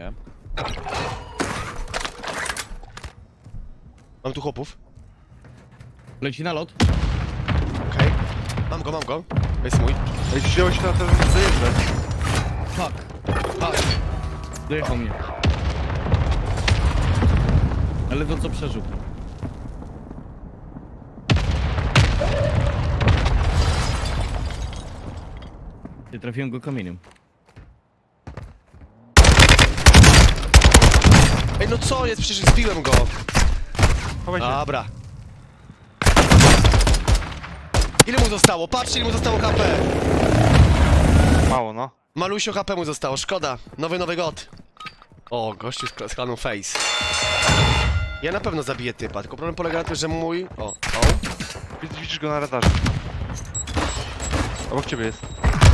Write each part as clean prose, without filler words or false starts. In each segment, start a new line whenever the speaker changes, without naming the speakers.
Nie.
Mam tu chłopów.
Leci na lot.
Okej. Mam go. Jest mój.
Ej, wziąłeś na to, żeby dojeżdżać.
Fuck. Fuck. Dojechał mnie. Ale to co przeżył. Nie trafiłem go kamieniem.
Ej, no co jest? Przecież zbiłem go.
Chowaj się.
Dobra. Ile mu zostało? Patrzcie, ile mu zostało HP.
Mało, no.
Malusio HP mu zostało, szkoda. Nowy god. O, gościu z klanu Face. Ja na pewno zabiję typa, tylko problem polega na tym, że mój... O.
Widzisz go na radarze. Obok ciebie jest.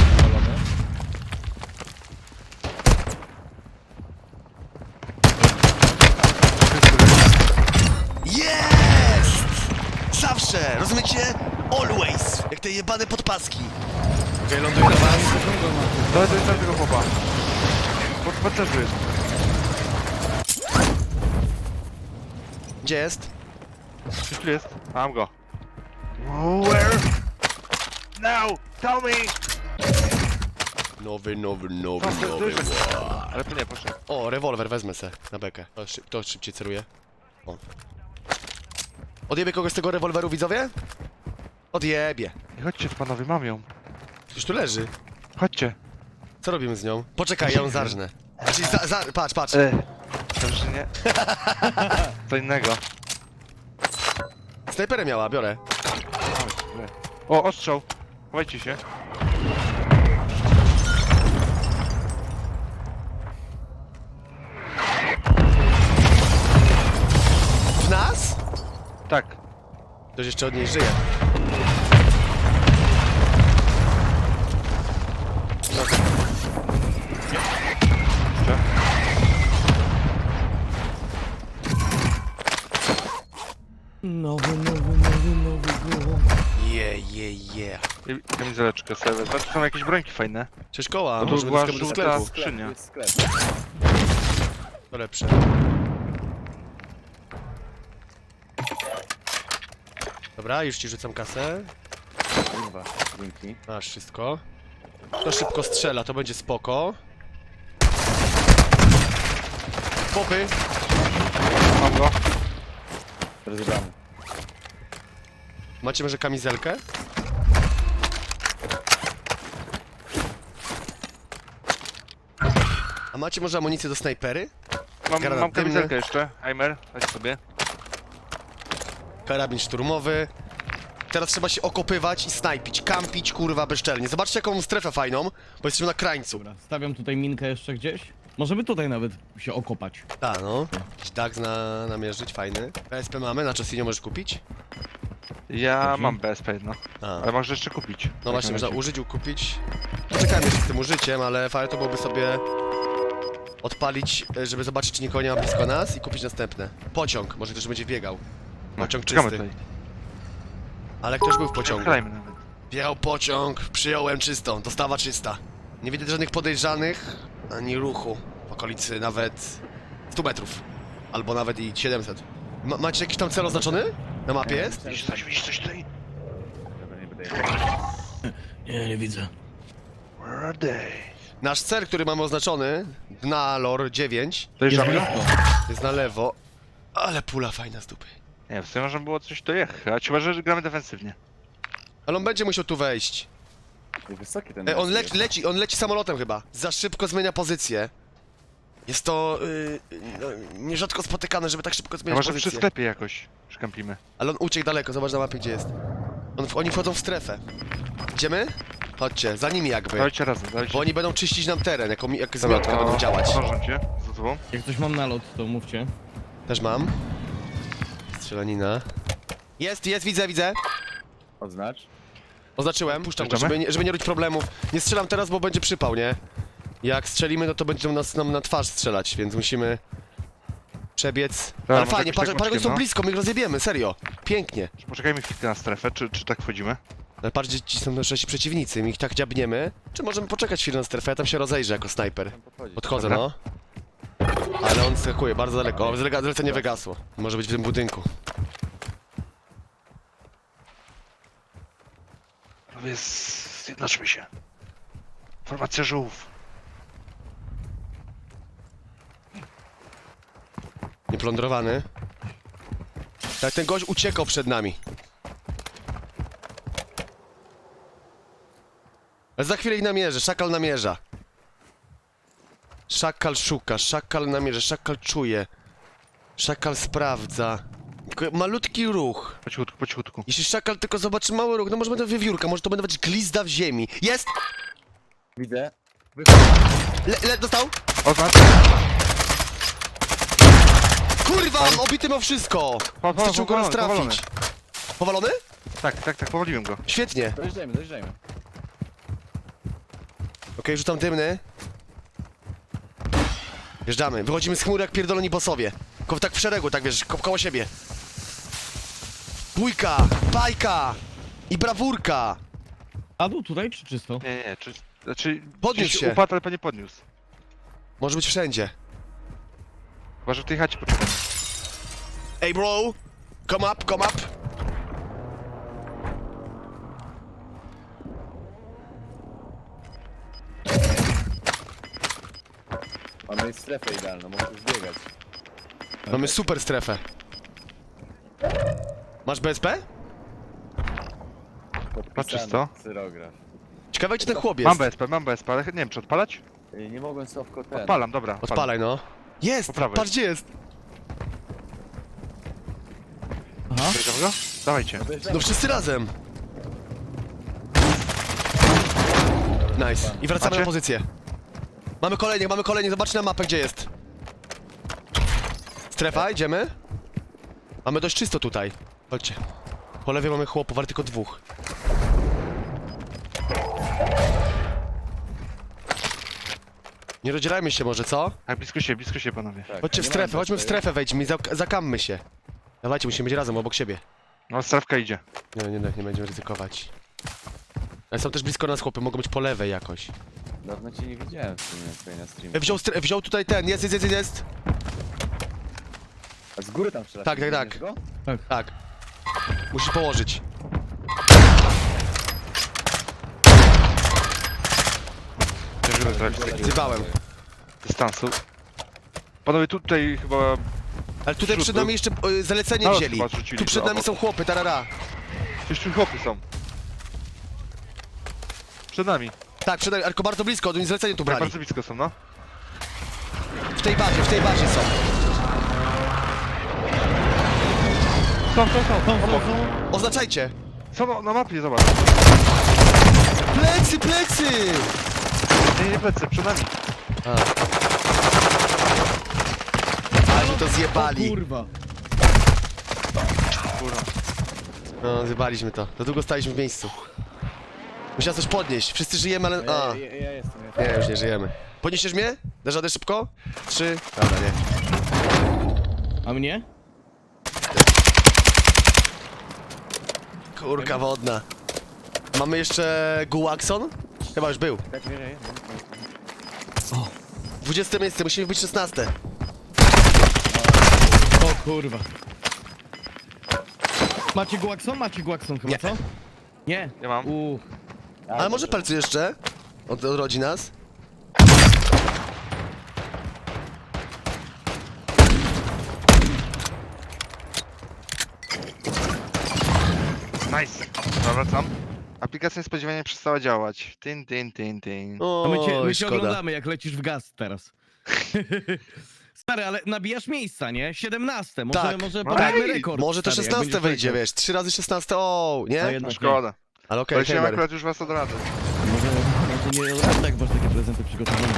Jest! Zawsze! Rozumiecie? Always! Jak te jebane podpaski. Okej, ląduję na was.
Dawaj do tego chłopa. Pod pancerzu jest.
Gdzie jest?
Gdzieś tu jest. Mam go. Where? Now! Tell me!
Nowy.
Ale to nie, proszę.
O, rewolwer, wezmę se na bekę. Kto szybciej celuje? O. Odjebie kogoś z tego rewolweru, widzowie? Odjebie.
Nie chodźcie panowie, mam ją.
Już tu leży.
Chodźcie.
Co robimy z nią? Poczekaj, ja ją zarżnę. Znaczy, patrz.
Dobrze, że nie. Co innego.
Snajperę miała, biorę.
O, ostrzał. Chowajcie się.
W nas?
Tak.
Ktoś jeszcze od niej żyje.
Gdzie?
Nowy go.
Yeah.
I kamizeleczkę sobie wezmę. Tu są jakieś brońki fajne.
Cześć koła,
No to
możemy
była
do sklepu.
żółta skrzynia.
Jest sklep.
To lepsze. Dobra, już ci rzucam kasę.
Kurwa, dzięki.
Masz wszystko. To szybko strzela, to będzie spoko. Popy.
Mam go.
Rozebrany.
Macie może kamizelkę? A macie może amunicję do snajpery?
Mam
Granat
kamizelkę
dymny.
jeszcze. Heimer, weź sobie.
Karabin szturmowy. Teraz trzeba się okopywać i snajpić, kampić, kurwa, bezczelnie. Zobaczcie jaką mam strefę fajną, bo jesteśmy na krańcu.
Dobra, stawiam tutaj minkę jeszcze gdzieś. Możemy tutaj nawet się okopać.
Tak, no. Jakiś DAX namierzyć, fajny. PSP mamy, na Chessinio możesz kupić?
Ja
Dobrze.
mam BSP jedno.
A.
Ale możesz jeszcze kupić.
No właśnie,
na
można
razie.
użyć, ukupić. Poczekajmy jeszcze z tym użyciem, ale fajnie to byłoby sobie odpalić, żeby zobaczyć, czy nikogo nie ma blisko nas i kupić następne. Pociąg, może ktoś będzie biegał. Pociąg
Czekamy
czysty.
tutaj.
Ale ktoś był w pociągu.
Grajmy nawet.
Wjechał pociąg, przyjąłem czystą, dostawa czysta. Nie widać żadnych podejrzanych, ani ruchu. W okolicy nawet 100 metrów. Albo nawet i 700. Macie jakiś tam cel oznaczony? Na mapie jest?
Widzisz coś tutaj?
Dobra, nie będę nie widzę.
Where are they?
Nasz cel, który mamy oznaczony, Gnalor 9,
Dojeżdżamy?
Jest blisko.
jest na lewo. Ale pula fajna z dupy.
Nie, w sumie można było coś dojechać, chyba że gramy defensywnie.
Ale on będzie musiał tu wejść.
Wysoki ten
On leci samolotem chyba. Za szybko zmienia pozycję. Jest to no, nierzadko spotykane, żeby tak szybko
A
zmieniać
może przy
pozycję.
sklepie jakoś szkampimy.
Ale on uciekł daleko, zobacz na mapie gdzie jest. Oni wchodzą w strefę. Idziemy? Chodźcie, za nimi jakby.
Dawajcie razem, dawajcie.
Bo oni będą czyścić nam teren, jak
Dobra,
zmiotka
to
będą działać.
zdążą cię za tobą.
Jak ktoś mam nalot, to mówcie.
Też mam. Strzelanina. Jest, widzę.
Odznacz.
Oznaczyłem, puszczam go,
Puszczamy?
żeby nie robić problemów. Nie strzelam teraz, bo będzie przypał, nie? Jak strzelimy, no to będą nam na twarz strzelać, więc musimy przebiec. Ale
może
fajnie,
jakoś tak
patrz, oni są
no.
blisko, my ich rozjebiemy, serio. Pięknie.
Poczekajmy chwilkę na strefę, czy tak wchodzimy?
Ale patrz, gdzie ci są nasi przeciwnicy, my ich tak dziabniemy. Czy możemy poczekać chwilę na strefę, ja tam się rozejrzę jako snajper. Podchodzę,
Dobra.
no. Ale on skakuje bardzo daleko. O, zlecenie wygasło. Może być w tym budynku.
Panowie, zjednoczmy się. Formacja żółw.
Nieplądrowany. Tak, ten gość uciekał przed nami. Ale za chwilę ich namierzę, szakal namierza. Szakal szuka, szakal namierza, szakal czuje. Szakal sprawdza. Tylko malutki ruch.
Po cichutku, po cichutku.
Jeśli szakal tylko zobaczy mały ruch, no może będę wiewiórka, może to będę być glizda w ziemi. Jest!
Widzę.
Dostał?
Oznacz.
Kurwa, on obity ma wszystko! Wystarczyło go raz trafić. Powalony?
Tak, powoliłem go.
Świetnie.
Dojeżdżajmy.
Okej, rzucam dymny. Wjeżdżamy. Wychodzimy z chmury jak pierdoloni bossowie. Tak w szeregu, tak wiesz, koło siebie. Bójka, bajka i brawurka.
Padł tutaj czy czysto?
Nie, znaczy...
Podniósł
gdzieś
się.
Upadł, ale pewnie podniósł.
Może być wszędzie.
Chyba, że w tej chacie poczekam.
Ej bro, come up, come up.
Mamy strefę idealną, możesz biegać.
Mamy super strefę. Masz BSP?
Patrzysz co?
Cyrograf.
Ciekawe gdzie ten chłop jest.
Mam BSP, ale nie wiem czy odpalać?
Nie mogłem Sławko ten.
Odpalam, dobra.
Odpalaj no. Jest!
Po prawej.
Patrz gdzie jest!
Aha.
Bierzemy go? Dawajcie.
No wszyscy razem! Nice. I wracamy
Macie?
na pozycję. Mamy kolejnych, zobaczcie na mapę gdzie jest. Strefa, idziemy. Mamy dość czysto tutaj. Chodźcie. Po lewej mamy chłopów, ale tylko dwóch. Nie rozdzielajmy się może, co?
Tak, blisko się panowie.
Tak,
Chodźcie w
nie
strefę,
mam
chodźmy w
BSP.
strefę, wejdźmy i zakammy się. Dawajcie, musimy być razem, obok siebie.
No, strefka idzie.
Nie będziemy ryzykować. Ale są też blisko nas chłopy, mogą być po lewej jakoś.
Dawno cię nie widziałem w sumie tutaj na streamie.
Wziął tutaj ten, jest.
A z góry tam strzelasz.
Tak.
widzisz go?
Tak. Musisz położyć.
Przeżyłem trochę z takiego
Zjebałem.
dystansu. Panowie, tutaj chyba...
Ale tutaj przed nami jeszcze zalecenie
No,
wzięli.
chyba zrzucili
Tu przed
do
nami są chłopy, tarara.
Gdzieś tu chłopy są. Przed nami.
Tak, przed nami, tylko bardzo blisko, oni zlecenie tu
Tak,
brali.
bardzo blisko są, no.
W tej bazie są.
Są.
Są.
Oznaczajcie.
Są na mapie, zobacz.
Plecy!
Nie plecy, przed nami.
Ale to
O
zjebali.
kurwa.
Kurwa.
No, zjebaliśmy to. Za długo staliśmy w miejscu. Musiałem coś podnieść. Wszyscy żyjemy, ale... A.
Ja jestem.
Nie, już nie żyjemy. Podniesiesz mnie? Dasz radę szybko? 3. Dobra, nie.
A mnie?
Kurka wodna. Mamy jeszcze Guaxon? Chyba już był.
Tak, nie.
20 miejsce, musimy być 16.
O kurwa. Macie Guaxon chyba,
Nie.
co? Nie.
Ja mam.
Ale może palcu jeszcze? Odrodzi nas?
Nice. Dobra, wracam. Aplikacja niespodziewanie przestała działać. Tin.
O,
A my cię
szkoda.
oglądamy jak lecisz w gaz teraz. Stary, ale nabijasz miejsca, nie? 17, może,
Tak.
może
No
podajmy
daj.
rekord.
Może to
stary, jak
16
będziesz
wejdzie,
leciał.
wiesz, 3 razy 16, o,
A
nie?
jednak
No
nie.
szkoda.
Ale okej,
Poleciałem
Heimer.
akurat już was od razu.
Może nie tak masz takie prezenty przygotowane.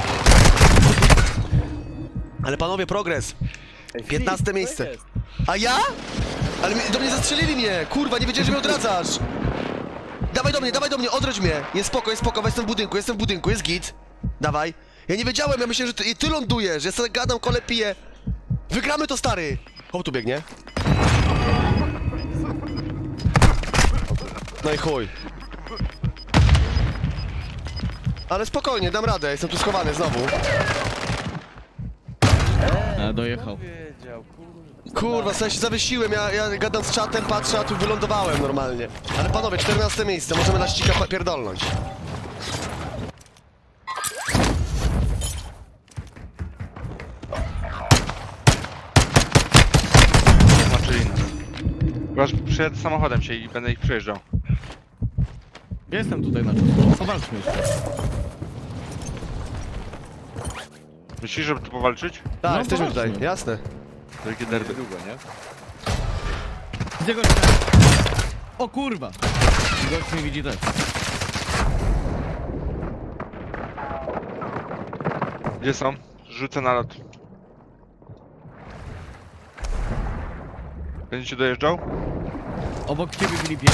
Ale panowie, progres.
Ej,
15
Filip, co
miejsce.
jest?
A ja? Ale do mnie zastrzelili mnie, kurwa, nie wiedziałem, że mnie odradzasz. Dawaj do mnie, odrodź mnie. Jest spoko, jestem w budynku, jest git. Dawaj. Ja nie wiedziałem, ja myślałem, że ty lądujesz, ja sobie gadam, kole piję. Wygramy to, stary. Chłop tu biegnie. No i chuj. Ale spokojnie, dam radę, jestem tu schowany znowu.
A, dojechał.
Wiedział, kurwa.
Kurwa, sobie się zawiesiłem, ja gadam z czatem, patrzę, a tu wylądowałem normalnie. Ale panowie, 14 miejsce, możemy na ścika pierdolnąć.
Znaczy inny. Chyba, że przyjadę samochodem się i będę ich przejeżdżał.
Ja jestem tutaj na czas. Powalczmy jeszcze.
Myślisz, żeby tu powalczyć?
Tak,
No
jesteśmy
właśnie.
tutaj, jasne.
Wielkie derby.
Długo, nie?
Gdzie gość? O kurwa! Gość mnie widzi też.
Gdzie są? Rzucę na lot. Będziecie dojeżdżał?
Obok ciebie, Filipie.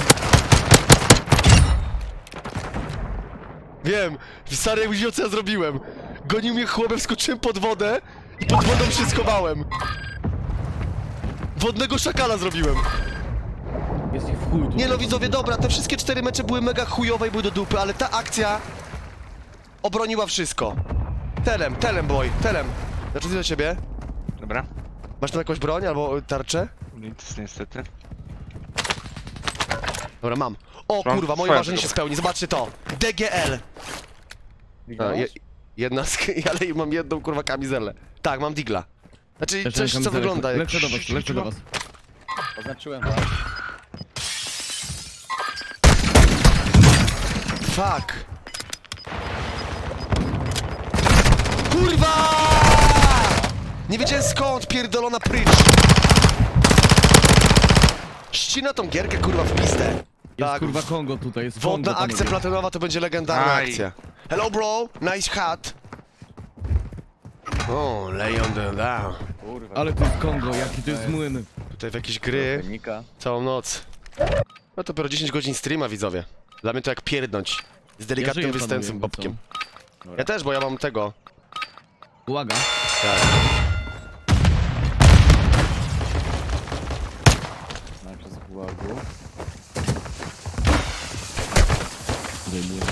Wiem, stary, jak widział, co ja zrobiłem. Gonił mnie chłopem, wskoczyłem pod wodę i pod wodą się schowałem. Wodnego szakala zrobiłem.
Jest ich w chuj tu.
Nie no widzowie, dobra, te wszystkie 4 mecze były mega chujowe i były do dupy, ale ta akcja obroniła wszystko. Telem boy, telem. Znaczy do ciebie.
Dobra.
Masz tam jakąś broń albo tarczę?
Nic niestety.
Dobra, mam. O
Mam
kurwa, moje
swoją
marzenie się
drogę.
spełni, zobaczcie to. DGL. A, jedna ale mam jedną kurwa kamizelę. Tak, mam digla. Znaczy
Też
coś,
mam
co
kamizelkę.
wygląda jak...
Lecę do was, lecę do was.
Oznaczyłem was.
Fuck. Kurwa! Nie wiedziałem skąd, pierdolona prycz. Ścina tą gierkę kurwa w pizdę.
Jest
Tak,
kurwa Kongo tutaj, jest
wodna
Kongo,
akcja
panowie.
platynowa to będzie legendarna
Aj.
akcja. Hello bro, nice hat. O, lay on the down.
Kurwa.
Ale to jest Kongo, jaki to jest młyn.
Tutaj w jakieś gry
Wynika.
całą noc. No to dopiero 10 godzin streama, widzowie. Dla mnie to jak pierdnąć. Z delikatnym
żyję,
występem
panowie,
bobkiem.
Dobra.
Ja też, bo ja mam tego.
Uwaga.
Tak.
Najpierw z gułagu.
Zdejmuję.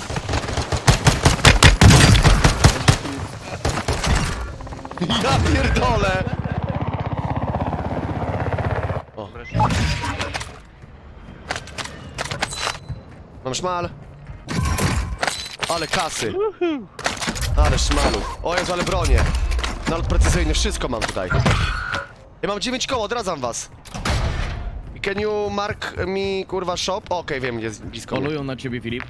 Ja pierdolę! Mam szmal. Ale kasy. Ale szmalu. O Jezu, ale bronię. Nalot precyzyjny, wszystko mam tutaj. Ja mam 9 koło, odradzam was. Can you mark me, kurwa, shop? Okej, wiem, jest blisko mnie.
Polują na ciebie, Filip.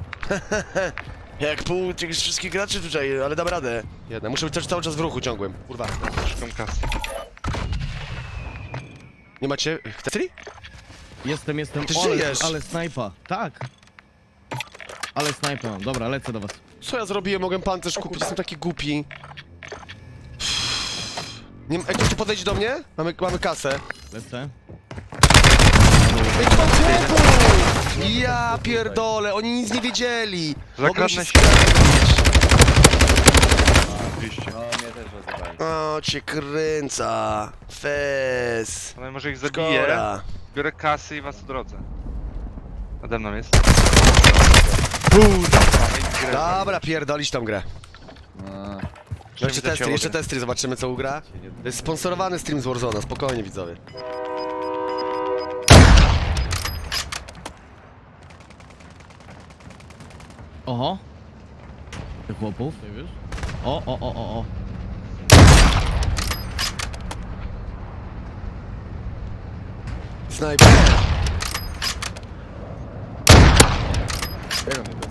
Jak pół tych wszystkich graczy tutaj, ale dam radę. Jedna, muszę być też cały czas w ruchu ciągłym. Kurwa.
Szukam kasy.
Nie macie... Chcecie?
Jestem.
Ty
ale,
żyjesz.
ale snajpa. Tak. Ale snajpa mam. Dobra, lecę do was.
Co ja zrobiłem? Mogłem pancerz kupić, jestem taki głupi. Nie, ej, ktoś tu podejdzie do mnie? Mamy kasę.
Lecę.
Ej, tu mam chłopów! Ja pierdolę, oni nic nie wiedzieli. Mogą
Zakradnę się. Oczywiście.
No, mnie też rozjebali.
O, cię kręca. Fez.
Ale może ich zabiję.
Szkoda.
Biorę kasy i was odrodzę. Nade mną jest.
Dobra, pierdolić tą grę.
No,
Jeszcze testy, zobaczymy co ugra. To jest sponsorowany stream z Warzona, spokojnie widzowie.
Oho. Tych chłopów, nie wiesz? O.
Snajper.
tego mnie dostał.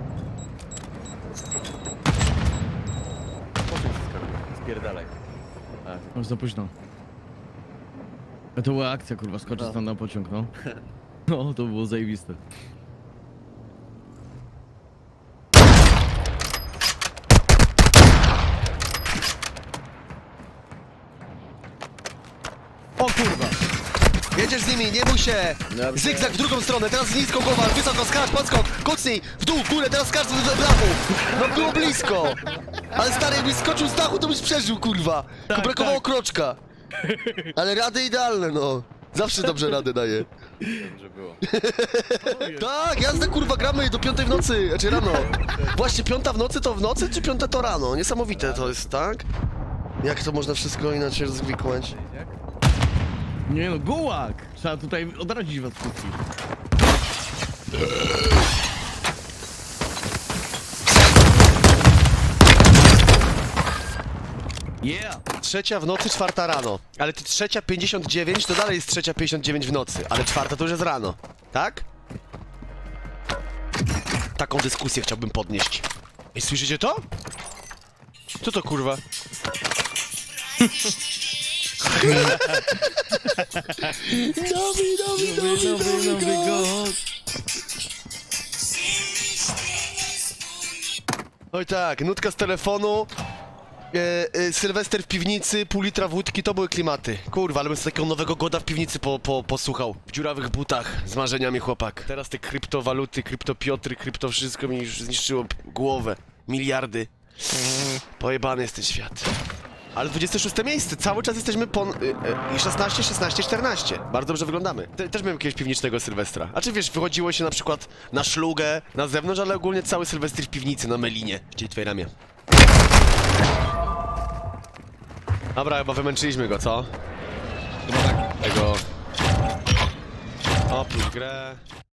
Pociąg skakuje. Spierdalaj. A,
Już za późno. A to była akcja, kurwa, skoczyć
No.
tam na pociąg, no. No, to było zajebiste. O kurwa!
Jedziesz z nimi, nie bój się!
Dobrze.
Zygzak w drugą stronę, teraz nisko głowa, wysoko, skacz, podskok, kucnij, w dół, górę, teraz skacz do dachu! No było blisko! Ale stary, jakbyś skoczył z dachu, to byś przeżył, kurwa!
Tak,
Brakowało
tak.
kroczka! Ale rady idealne, no! Zawsze dobrze radę daje.
dobrze było.
Tak, jazda, kurwa, gramy do 5 w nocy, znaczy rano. Właśnie 5 w nocy to w nocy, czy 5 to rano? Niesamowite to jest, tak? Jak to można wszystko inaczej rozwikłać?
Nie no, gułak! Trzeba tutaj odradzić was wszystkich. Yeah!
3 w nocy, 4 rano. Ale ty 3:59 to dalej jest 3:59 w nocy, ale 4 to już jest rano. Tak? Taką dyskusję chciałbym podnieść. Ej, słyszycie to? Co to kurwa?
Nowy god!
Oj tak, nutka z telefonu, Sylwester w piwnicy, pół litra wódki, to były klimaty. Kurwa, ale bym sobie takiego nowego goda w piwnicy posłuchał. W dziurawych butach, z marzeniami chłopak. Teraz te kryptowaluty, kryptopiotry, krypto wszystko mi już zniszczyło głowę. Miliardy. Pojebany jest ten świat. Ale 26 miejsce, cały czas jesteśmy i 16, 16, 14. Bardzo dobrze wyglądamy. Też miałem jakiegoś piwnicznego Sylwestra. A czy wiesz, wychodziło się na przykład na szlugę, na zewnątrz, ale ogólnie cały Sylwester w piwnicy, na melinie. Gdzie twoje ramię. Dobra, chyba wymęczyliśmy go, co?
Chyba tak.
Tego... Oprócz grę...